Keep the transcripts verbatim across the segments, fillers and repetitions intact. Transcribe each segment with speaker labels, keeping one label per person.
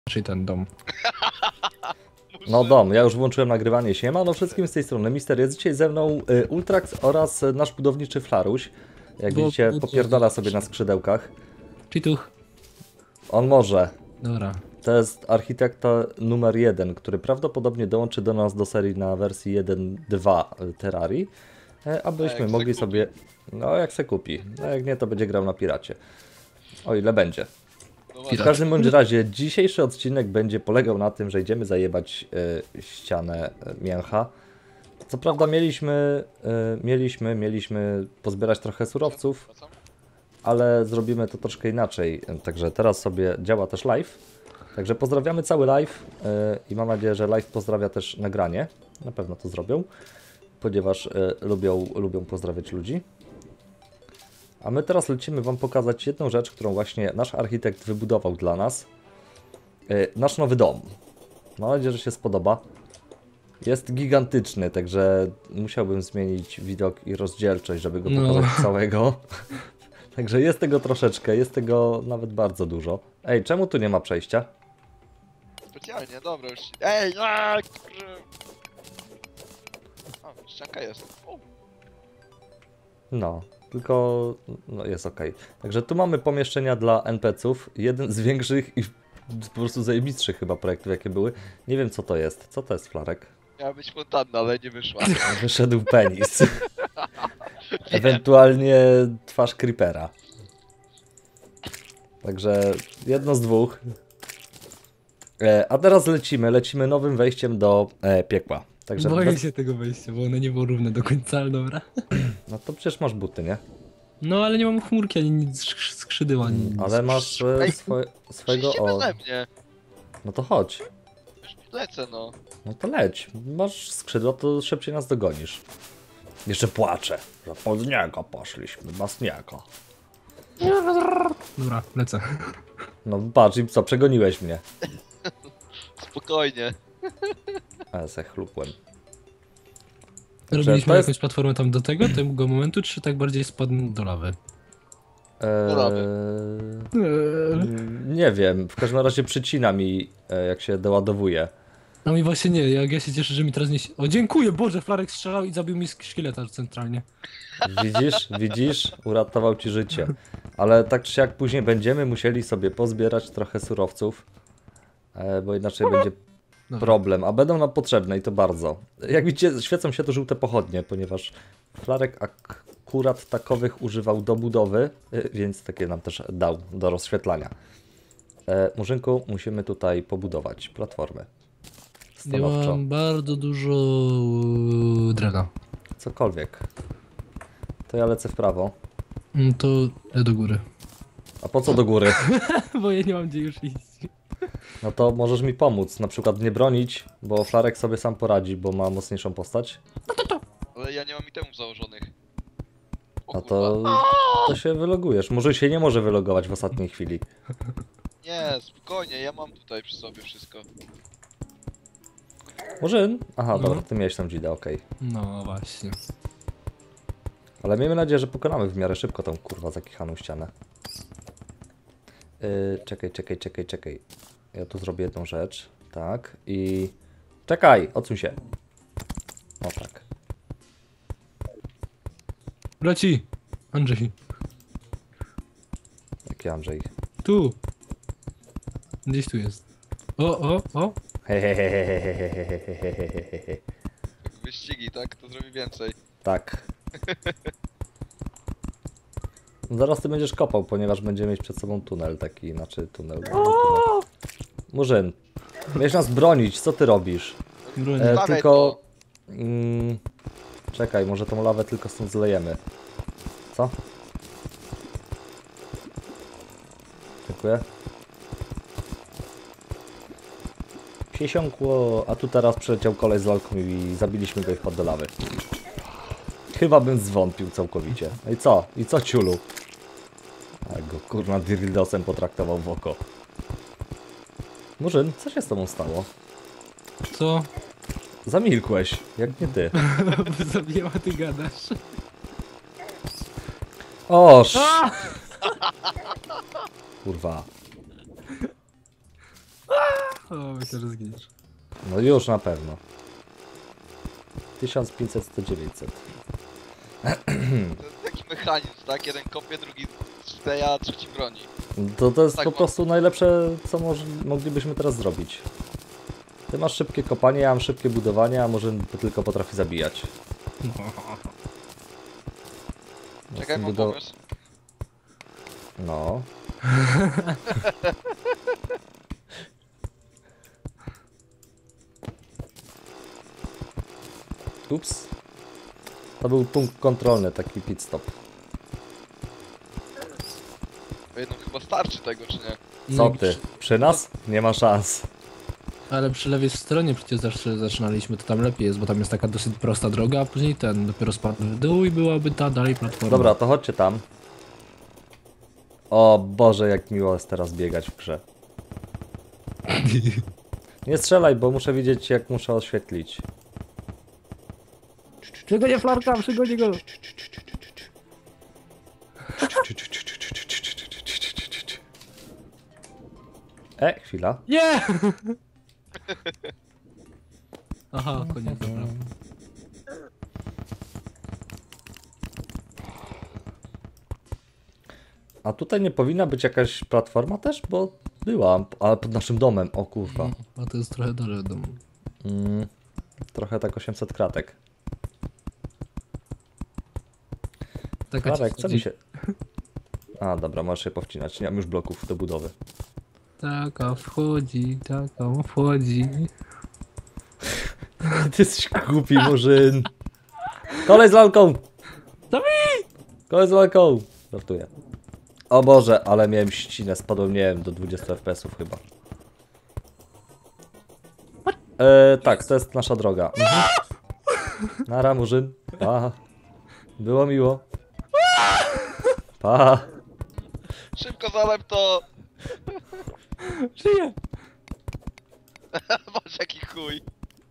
Speaker 1: Czyli ten dom.
Speaker 2: No dom, ja już włączyłem nagrywanie. Siema, no wszystkim z tej strony Mister, jest dzisiaj ze mną y, Ultrax oraz y, nasz budowniczy Flaruś. Jak
Speaker 1: Bo-
Speaker 2: widzicie,
Speaker 1: bo-
Speaker 2: popierdala sobie na skrzydełkach.
Speaker 1: Czytuch.
Speaker 2: On może.
Speaker 1: Dobra.
Speaker 2: To jest architekta numer jeden, który prawdopodobnie dołączy do nas do serii na wersji jeden dwa Terrarii, e, abyśmy
Speaker 3: jak se
Speaker 2: mogli
Speaker 3: kupi.
Speaker 2: sobie... No jak se kupi. No jak nie, to będzie grał na piracie. O ile będzie.
Speaker 3: No
Speaker 2: W
Speaker 3: właśnie.
Speaker 2: każdym bądź razie dzisiejszy odcinek będzie polegał na tym, że idziemy zajebać y, ścianę y, mięcha. Co prawda mieliśmy, y, mieliśmy, mieliśmy pozbierać trochę surowców,
Speaker 3: Wracam?
Speaker 2: ale zrobimy to troszkę inaczej. Także teraz sobie działa też live. Także pozdrawiamy cały live y, i mam nadzieję, że live pozdrawia też nagranie. Na pewno to zrobią, ponieważ y, lubią, lubią pozdrawiać ludzi. A my teraz lecimy Wam pokazać jedną rzecz, którą właśnie nasz architekt wybudował dla nas. Yy, nasz nowy dom. Mam nadzieję, że się spodoba. Jest gigantyczny, także musiałbym zmienić widok i rozdzielczość, żeby go
Speaker 1: No.
Speaker 2: pokazać całego. Także jest tego troszeczkę, jest tego nawet bardzo dużo. Ej, czemu tu nie ma przejścia?
Speaker 3: Specjalnie, dobra już. Ej, aaa, kurwa. A, ścianka jest. O,
Speaker 2: No, tylko no jest ok. Także tu mamy pomieszczenia dla en pe ce ów. Jeden z większych i po prostu zajebistszych chyba projektów, jakie były. Nie wiem, co to jest. Co to jest, Flarek?
Speaker 3: miała być fontanna, ale nie wyszła.
Speaker 2: Wyszedł penis. Ewentualnie twarz creepera. Także jedno z dwóch. E, a teraz lecimy. Lecimy nowym wejściem do e, piekła. Także
Speaker 1: Boję
Speaker 2: bez...
Speaker 1: się tego wejścia, bo ono nie było równe do końca, ale dobra.
Speaker 2: No to przecież masz buty, nie?
Speaker 1: No ale nie mam chmurki, ani nic skrzy- skrzydeł, ani nic.
Speaker 2: Ale masz e,
Speaker 3: Ej,
Speaker 2: swoje, swojego...
Speaker 3: Przyjście
Speaker 2: O,
Speaker 3: beze mnie.
Speaker 2: no to chodź.
Speaker 3: Już lecę, no.
Speaker 2: No to leć. Masz skrzydła, to szybciej nas dogonisz. Jeszcze płaczę, że pod niego poszliśmy, bez niego.
Speaker 1: Dobra, lecę.
Speaker 2: No patrz, i co, przegoniłeś mnie.
Speaker 3: Spokojnie.
Speaker 2: Ale se chlupłem.
Speaker 1: Robiliśmy
Speaker 2: to jest-
Speaker 1: jakąś platformę tam do tego, tego momentu, czy tak bardziej spadł do lawy?
Speaker 3: lawy.
Speaker 2: Eee, nie wiem, w każdym razie przycina mi, e, jak się doładowuje.
Speaker 1: No mi właśnie nie, jak ja się cieszę, że mi teraz nie... O, dziękuję, Boże, Flarek strzelał i zabił mi sk- szkieleta centralnie.
Speaker 2: Widzisz, widzisz, uratował ci życie. Ale tak czy siak później będziemy musieli sobie pozbierać trochę surowców, e, bo inaczej będzie
Speaker 1: Dobra.
Speaker 2: problem, a będą nam potrzebne i to bardzo. Jak widzicie, świecą się to żółte pochodnie, ponieważ Flarek akurat takowych używał do budowy, y, więc takie nam też dał do rozświetlania. E, Murzynku, musimy tutaj pobudować platformę.
Speaker 1: Ja
Speaker 2: Stanowczo.
Speaker 1: mam bardzo dużo e, drewna.
Speaker 2: Cokolwiek. To ja lecę w prawo.
Speaker 1: Mm, To ja do góry.
Speaker 2: A po co do góry?
Speaker 1: Bo ja nie mam gdzie już iść.
Speaker 2: No to możesz mi pomóc, na przykład nie bronić, bo Flarek sobie sam poradzi, bo ma mocniejszą postać.
Speaker 3: Ale ja nie mam itemów założonych. O,
Speaker 2: No
Speaker 3: kurwa.
Speaker 2: to, to się wylogujesz. Może się nie może wylogować w ostatniej chwili.
Speaker 3: Nie, spokojnie, ja mam tutaj przy sobie wszystko.
Speaker 2: Murzyn? Aha,
Speaker 1: No.
Speaker 2: dobra, ty miałeś tam dzidę, okej.
Speaker 1: No właśnie.
Speaker 2: Ale miejmy nadzieję, że pokonamy w miarę szybko tą kurwa zakichaną ścianę. Yy, czekaj, czekaj, czekaj, czekaj. Ja tu zrobię jedną rzecz. Tak. I... Czekaj! Odsuń się. O tak.
Speaker 1: Braci! Andrzej,
Speaker 2: Jaki Andrzej.
Speaker 1: tu! Gdzieś tu jest. O, o, o!
Speaker 2: Hehehehehehehehehehehe.
Speaker 3: Wyścigi, tak? To zrobi więcej.
Speaker 2: Tak. Zaraz ty będziesz kopał, ponieważ będziemy mieć przed sobą tunel taki, znaczy tunel. tunel. Murzyn, miałeś nas bronić, co ty robisz?
Speaker 1: Broń.
Speaker 2: E,
Speaker 3: Stawiaj
Speaker 2: tylko... Mm, czekaj, może tą lawę tylko stąd zlejemy. Co? Dziękuję. Siesiąkło, a tu teraz przyleciał koleś z lalką i zabiliśmy go i wpadł do lawy. Chyba bym zwątpił całkowicie. No i co? I co, ciulu? A go kurna dildosem potraktował w oko. Murzyn, co się z tobą stało?
Speaker 1: Co?
Speaker 2: Zamilkłeś, jak nie ty.
Speaker 1: Zabijała, ty gadasz.
Speaker 2: Oż! Kurwa.
Speaker 1: O, myślę, że zginiesz.
Speaker 2: No już na pewno. tysiąc pięćset, sto, dziewięćset.
Speaker 3: To jest taki mechanizm, tak? Jeden kopie, drugi steja, a trzeci broni.
Speaker 2: To, to jest
Speaker 3: Tak,
Speaker 2: po
Speaker 3: bo-
Speaker 2: prostu najlepsze, co moż, moglibyśmy teraz zrobić. Ty masz szybkie kopanie, ja mam szybkie budowanie, a może tylko potrafi zabijać.
Speaker 3: Czekaj, mam
Speaker 2: Budo-
Speaker 3: pomysł.
Speaker 2: No. Ups. To był punkt kontrolny, taki pit stop.
Speaker 3: Po jednym chyba starczy tego, czy nie?
Speaker 2: Co
Speaker 1: No i
Speaker 2: ty?
Speaker 1: przy-
Speaker 2: Przy nas? Nie ma szans.
Speaker 1: Ale przy lewej stronie przecież zawsze zaczynaliśmy, to tam lepiej jest, bo tam jest taka dosyć prosta droga, a później ten dopiero spadł w dół i byłaby ta dalej platforma.
Speaker 2: Dobra, to chodźcie tam. O Boże, jak miło jest teraz biegać w grze. Nie strzelaj, bo muszę widzieć, jak muszę oświetlić.
Speaker 1: Przygonię Flarka, przygonię go!
Speaker 2: E, chwila.
Speaker 1: Nie! Aha, koniec, dobra.
Speaker 2: A tutaj nie powinna być jakaś platforma też, bo była, ale pod naszym domem, o kurwa.
Speaker 1: A to jest trochę dalej od domu.
Speaker 2: Mm, trochę tak osiemset kratek.
Speaker 1: Taka
Speaker 2: Kratek,
Speaker 1: ci
Speaker 2: co
Speaker 1: wchodzi-
Speaker 2: mi się... A, dobra, możesz się powcinać, nie mam już bloków do budowy.
Speaker 1: Taka wchodzi, taka wchodzi.
Speaker 2: Ty jesteś głupi, murzyn. Kolej z lalką!
Speaker 1: Zabij!
Speaker 2: Kolej z lalką! Żartuję. O Boże, ale miałem ścinę, spadłem, nie wiem, do dwudziestu F P S ów chyba. E, tak, to jest nasza droga. Mhm. Nara, murzyn. Pa. Było miło. Pa.
Speaker 3: Szybko zalep to!
Speaker 1: Żyję!
Speaker 3: Masz jaki chuj.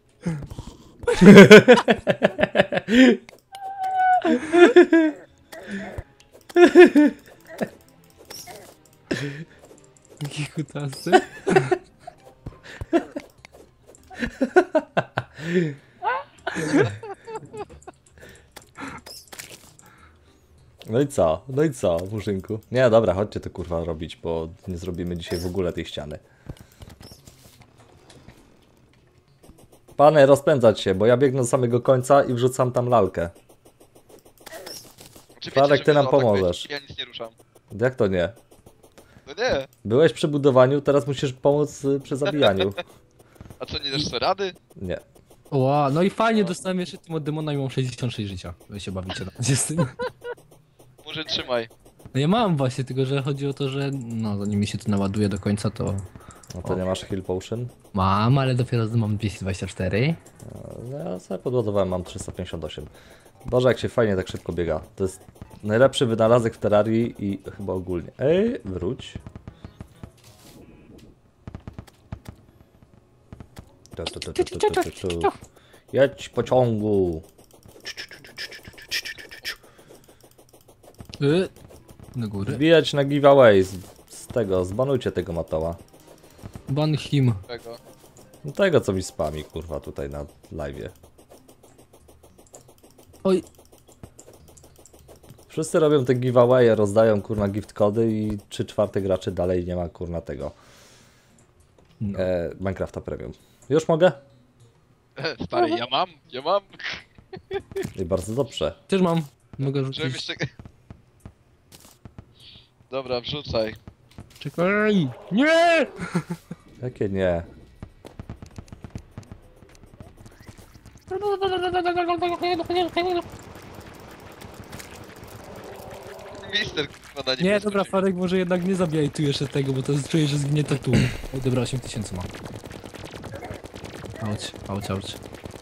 Speaker 1: Jaki kutasy.
Speaker 2: No i co? No i co, murzynku? Nie, dobra, chodźcie to kurwa robić, bo nie zrobimy dzisiaj w ogóle tej ściany. Panie, rozpędzać się, bo ja biegnę do samego końca i wrzucam tam lalkę.
Speaker 3: Czy
Speaker 2: Flarek,
Speaker 3: wiecie,
Speaker 2: ty
Speaker 3: że
Speaker 2: nam
Speaker 3: wy zaatakujecie?
Speaker 2: pomożesz.
Speaker 3: Ja nic nie ruszam.
Speaker 2: Jak to nie?
Speaker 3: No nie.
Speaker 2: Byłeś przy budowaniu, teraz musisz pomóc y, przy zabijaniu.
Speaker 3: A co, nie dasz sobie rady?
Speaker 2: Nie.
Speaker 1: Ła, no i fajnie, dostałem jeszcze tym od demona i mam sześćdziesiąt sześć życia. Wy się bawicie na razie z tym.
Speaker 3: Murzyn, trzymaj.
Speaker 1: No ja mam właśnie, tylko że chodzi o to, że no zanim mi się to naładuje do końca, to
Speaker 2: No to nie masz heal potion?
Speaker 1: mam, ale dopiero mam dwieście dwadzieścia cztery.
Speaker 2: No ja sobie podładowałem, mam trzysta pięćdziesiąt osiem. Boże, jak się fajnie tak szybko biega. To jest najlepszy wynalazek w Terrarii i chyba ogólnie. Ej, wróć. Tu, tu, tu, tu, tu, tu, tu, tu. Jedź pociągu.
Speaker 1: Y, do góry.
Speaker 2: Wbijać na giveaway z, z tego, zbanujcie tego matoła.
Speaker 1: Ban him.
Speaker 3: Tego.
Speaker 2: No tego co mi spami kurwa tutaj na live'ie.
Speaker 1: Oj,
Speaker 2: Wszyscy robią te giveawaye, rozdają kurna gift kody i trzy czwarte graczy dalej nie ma kurna tego
Speaker 1: no.
Speaker 2: e, Minecrafta Premium. Już mogę?
Speaker 3: Stary, ja mam, ja mam.
Speaker 2: I bardzo dobrze.
Speaker 1: Też mam. Mogę
Speaker 3: Żebym
Speaker 1: rzucić.
Speaker 3: jeszcze... Dobra, wrzucaj.
Speaker 1: Czekaj! Nie!
Speaker 2: Jakie nie?
Speaker 3: Mister, kurwa, na
Speaker 1: Nie,
Speaker 3: niebiesko
Speaker 1: dobra,
Speaker 3: się-
Speaker 1: Farek, może jednak nie zabijaj tu jeszcze tego, bo to czuję, że zginie to tu. Oj, dobra, osiem tysięcy ma. Auć, auć, auć.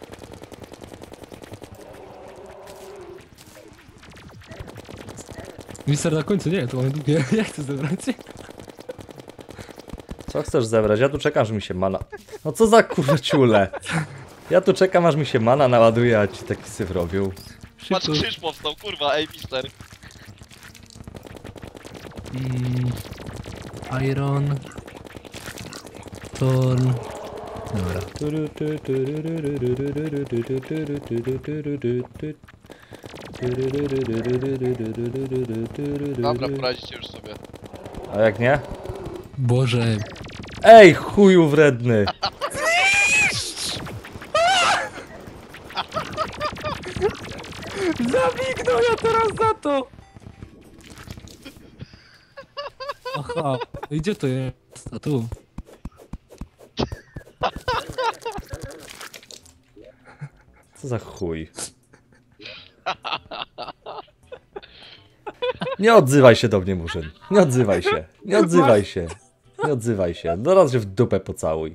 Speaker 1: Mister na końcu, nie, to mamy długie. Jak chcę zebrać?
Speaker 2: Co chcesz zebrać? Ja tu czekam, aż mi się mana... No co za kurwa ciule? Ja tu czekam, aż mi się mana naładuje, a ci taki syf robił.
Speaker 3: Patrz,
Speaker 1: Szybko.
Speaker 3: krzyż powstał, kurwa, ej, mister.
Speaker 1: Mm, iron. Torn. Dobra.
Speaker 3: Dobra, poradzicie już sobie.
Speaker 2: A jak nie?
Speaker 1: Boże.
Speaker 2: Ej, chuju wredny!
Speaker 1: Zabignął ja teraz za to! Aha, i gdzie to jest? A tu.
Speaker 2: Co za chuj? Nie odzywaj się do mnie, Murzyn. Nie odzywaj się. Nie odzywaj się. Nie odzywaj się. No raz, że w dupę pocałuj.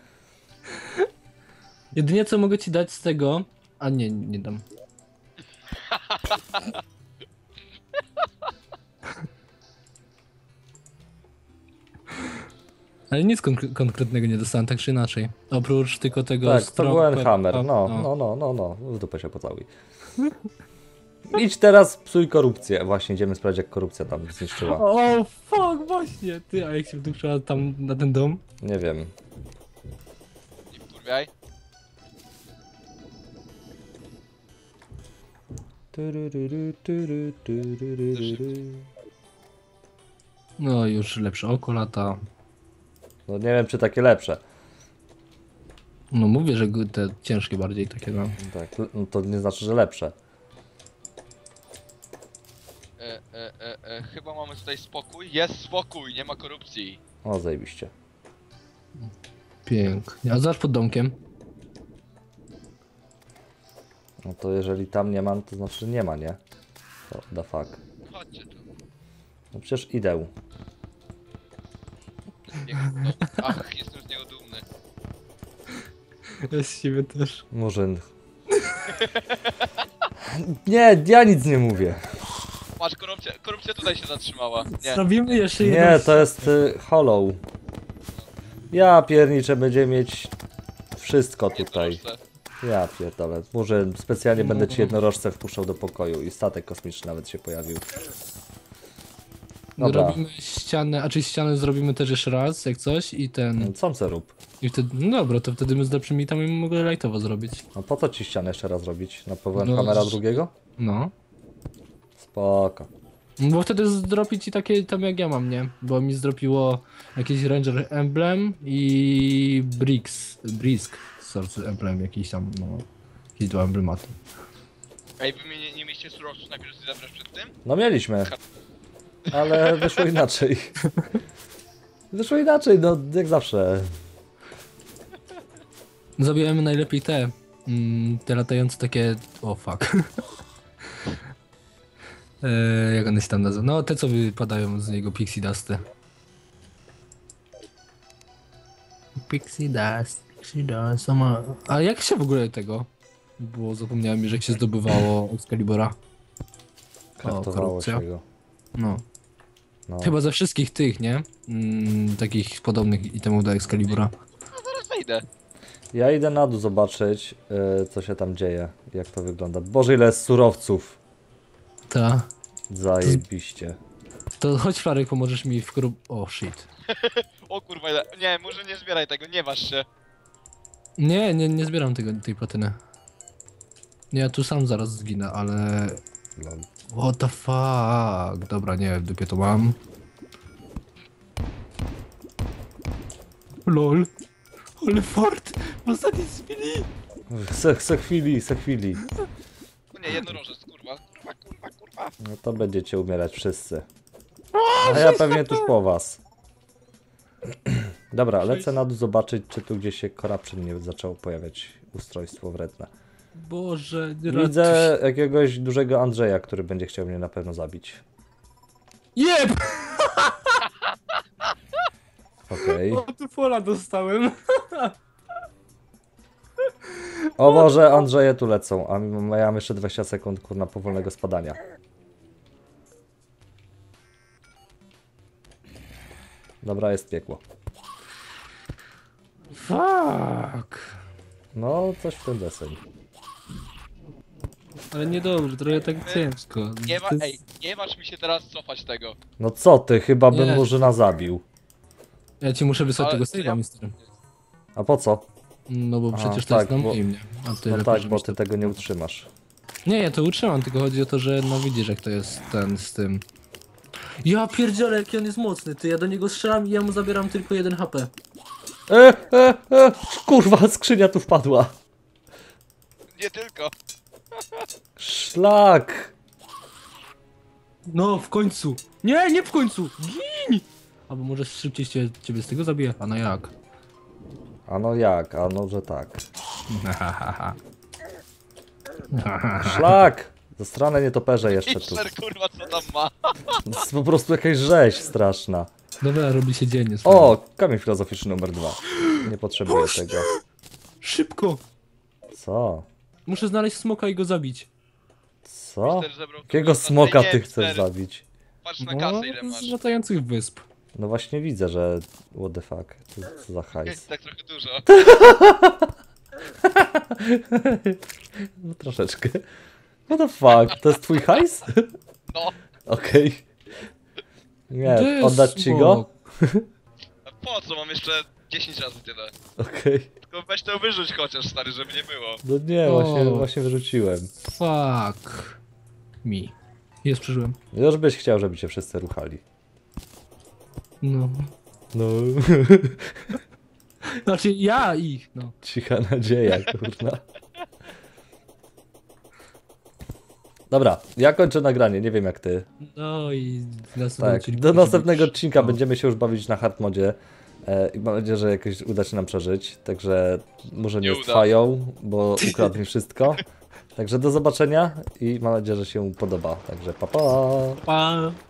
Speaker 1: Jedynie co mogę ci dać z tego... A nie, nie dam. Ale nic konk konkretnego nie dostałem, tak czy inaczej. Oprócz tylko tego...
Speaker 2: Tak, to był
Speaker 1: strop-
Speaker 2: Enhammer. No,
Speaker 1: no.
Speaker 2: no, no, no, no. W dupę się pocałuj. Idź teraz, psuj korupcję. Właśnie, idziemy sprawdzić, jak korupcja tam zniszczyła.
Speaker 1: O, fuck, właśnie! Ty, a jak się wdupczyła tam na ten dom?
Speaker 2: Nie wiem.
Speaker 3: Nie wkurwiaj.
Speaker 1: No już lepsze oko lata.
Speaker 2: No nie wiem, czy takie lepsze.
Speaker 1: No mówię, że te ciężkie bardziej takie no.
Speaker 2: Tak, no to nie znaczy, że lepsze.
Speaker 3: E, e, e, e, chyba mamy tutaj spokój. Jest spokój, nie ma korupcji.
Speaker 2: O, zajebiście.
Speaker 1: Pięknie. A zaraz pod domkiem.
Speaker 2: No to jeżeli tam nie ma, to znaczy, że nie ma, nie? To the fuck.
Speaker 3: Chodźcie tu.
Speaker 2: No przecież idę.
Speaker 3: Piękno. Ach, jestem z niego dumny.
Speaker 1: Ja z siebie też.
Speaker 2: Murzyn. Nie, ja nic nie mówię.
Speaker 3: Patrz, korupcja, korupcja tutaj się zatrzymała. Nie.
Speaker 1: Zrobimy jeszcze jedną...
Speaker 2: Nie, to jest y, hollow. Ja pierniczę, będzie mieć wszystko tutaj.
Speaker 3: Jednorożce.
Speaker 2: Ja pierdolę. Murzyn, specjalnie będę ci jednorożce wpuszczał do pokoju i statek kosmiczny nawet się pojawił. Dobra.
Speaker 1: Robimy ścianę, a czy ścianę zrobimy też jeszcze raz, jak coś i ten...
Speaker 2: Co chcę rób?
Speaker 1: I wtedy, no dobra, to wtedy my z lepszymi tam i mogę lightowo zrobić.
Speaker 2: A po co ci ścianę jeszcze raz robić? Na powrót
Speaker 1: No,
Speaker 2: kamera
Speaker 1: z-
Speaker 2: drugiego?
Speaker 1: No.
Speaker 2: Spoko.
Speaker 1: Bo wtedy zdropi ci takie tam jak ja mam, nie? Bo mi zdropiło jakiś Ranger Emblem i Bricks, Brisk Source Emblem jakiś tam, no. Jakieś dwa emblematy.
Speaker 3: Ej, wy mnie nie, nie mieliście surowców najpierw zebrać przed tym?
Speaker 2: No mieliśmy. Ale wyszło inaczej. Wyszło inaczej, no jak zawsze.
Speaker 1: Zabijemy najlepiej te, mm, te latające takie, o fuck. e, jak one się tam nazywa? No te co wypadają z niego, Pixie Dusty. Pixie Dust, Pixie Dust, ma... A jak się w ogóle tego? Bo zapomniałem, że jak się zdobywało Excalibura.
Speaker 2: Kraftowało
Speaker 1: korupcja.
Speaker 2: się go.
Speaker 1: No.
Speaker 2: No.
Speaker 1: Chyba ze wszystkich tych, nie? Mm, takich podobnych itemów do Excalibura.
Speaker 3: No zaraz wejdę.
Speaker 2: Ja idę na dół zobaczyć, yy, co się tam dzieje, jak to wygląda. Boże, ile jest surowców.
Speaker 1: Ta.
Speaker 2: Zajebiście.
Speaker 1: To chodź Flarek, pomożesz mi w korup... O shit.
Speaker 3: O kurwa, ile... nie, może nie zbieraj tego, nie waż się.
Speaker 1: Nie, nie, nie zbieram tego, tej platyny. Nie, ja tu sam zaraz zginę, ale...
Speaker 2: Lol.
Speaker 1: What the fuck? Dobra, nie, w dupie to mam. Lol. Ale fart! W ostatniej chwili!
Speaker 2: Se, se chwili, se chwili.
Speaker 3: No nie, jednorożec, kurwa, kurwa, kurwa, kurwa.
Speaker 2: No to będziecie umierać wszyscy. A ja pewnie tuż po was. Dobra, lecę na dół zobaczyć, czy tu gdzieś się corruption nie zaczęło pojawiać ustrojstwo wredne.
Speaker 1: Boże, nie
Speaker 2: Widzę jakiegoś dużego Andrzeja, który będzie chciał mnie na pewno zabić.
Speaker 1: Jeb!
Speaker 2: Okej.
Speaker 1: O, tu fola dostałem.
Speaker 2: O Boże, Andrzeje tu lecą, a mimo- ja mam jeszcze dwadzieścia sekund kurna powolnego spadania. Dobra, jest piekło.
Speaker 1: Fuck.
Speaker 2: No, coś w ten deseń.
Speaker 1: Ale niedobrze, trochę tak ciężko.
Speaker 3: Nie ma,
Speaker 1: To jest-
Speaker 3: ej, nie masz mi się teraz cofać tego.
Speaker 2: No co ty, chyba bym
Speaker 1: Nie.
Speaker 2: Murzyna zabił.
Speaker 1: Ja ci muszę wysłać
Speaker 3: Ale
Speaker 1: tego
Speaker 3: to
Speaker 1: save'a,
Speaker 3: ja-
Speaker 1: mister.
Speaker 2: A po co?
Speaker 1: No bo
Speaker 2: A,
Speaker 1: przecież to
Speaker 2: tak,
Speaker 1: jest na
Speaker 2: bo-
Speaker 1: moim, nie? A ty
Speaker 2: No
Speaker 1: lepiej,
Speaker 2: tak, bo
Speaker 1: żebyś
Speaker 2: ty
Speaker 1: to-
Speaker 2: tego nie utrzymasz.
Speaker 1: Nie, ja to utrzymam, tylko chodzi o to, że no widzisz jak to jest ten z tym. Ja pierdzielę, jaki on jest mocny, ty, ja do niego strzelam i ja mu zabieram tylko jeden H P.
Speaker 2: E, e, e, kurwa, skrzynia tu wpadła.
Speaker 3: Nie tylko.
Speaker 2: Szlak.
Speaker 1: No, w końcu. Nie, nie w końcu. Gin! Albo może szybciej cię, ciebie z tego zabije. A no jak?
Speaker 2: A no jak, a no że tak. Szlak! Zastrane nietoperze jeszcze tu.
Speaker 3: Hitler, kurwa, co tam ma?
Speaker 2: To jest po prostu jakaś rzeź straszna.
Speaker 1: Dobra, robi się dzień. jest
Speaker 2: O, kamień filozoficzny numer dwa. Nie potrzebuję tego.
Speaker 1: Szybko!
Speaker 2: Co?
Speaker 1: Muszę znaleźć smoka i go zabić.
Speaker 2: Co?
Speaker 3: Hitler zebrał
Speaker 2: Jakiego
Speaker 3: kurwa,
Speaker 2: smoka
Speaker 3: nie,
Speaker 2: ty chcesz
Speaker 3: cztery.
Speaker 2: zabić?
Speaker 3: Patrz na
Speaker 1: No,
Speaker 3: kasę, ile masz.
Speaker 1: z latających wysp.
Speaker 2: No właśnie widzę, że... What the fuck? Co co za hajs?
Speaker 3: Jest tak trochę dużo.
Speaker 2: No troszeczkę. What the fuck? To jest twój hajs?
Speaker 3: No,
Speaker 2: Okej. Nie,
Speaker 1: Gdzie jest
Speaker 2: oddać ci go?
Speaker 1: smok?
Speaker 3: a po co? Mam jeszcze dziesięć razy tyle.
Speaker 2: Okej.
Speaker 3: Tylko weź to wyrzuć chociaż, stary, żeby nie było.
Speaker 2: No nie,
Speaker 1: O.
Speaker 2: właśnie, właśnie wyrzuciłem.
Speaker 1: Fuck. Mi. Jest, przeżyłem.
Speaker 2: Już byś chciał, żeby cię wszyscy ruchali.
Speaker 1: No.
Speaker 2: No,
Speaker 1: Znaczy ja ich, no.
Speaker 2: cicha nadzieja, kurna. Dobra, ja kończę nagranie, nie wiem jak ty.
Speaker 1: No i w następnym
Speaker 2: Tak,
Speaker 1: odcinku
Speaker 2: do
Speaker 1: musi
Speaker 2: następnego
Speaker 1: być-
Speaker 2: odcinka
Speaker 1: no.
Speaker 2: będziemy się już bawić na hard modzie. E, I mam nadzieję, że jakoś uda się nam przeżyć. Także może nie
Speaker 3: Nie uda.
Speaker 2: trwają, bo ukradł mi wszystko. Także do zobaczenia i mam nadzieję, że się podoba. Także pa pa!
Speaker 1: Pa.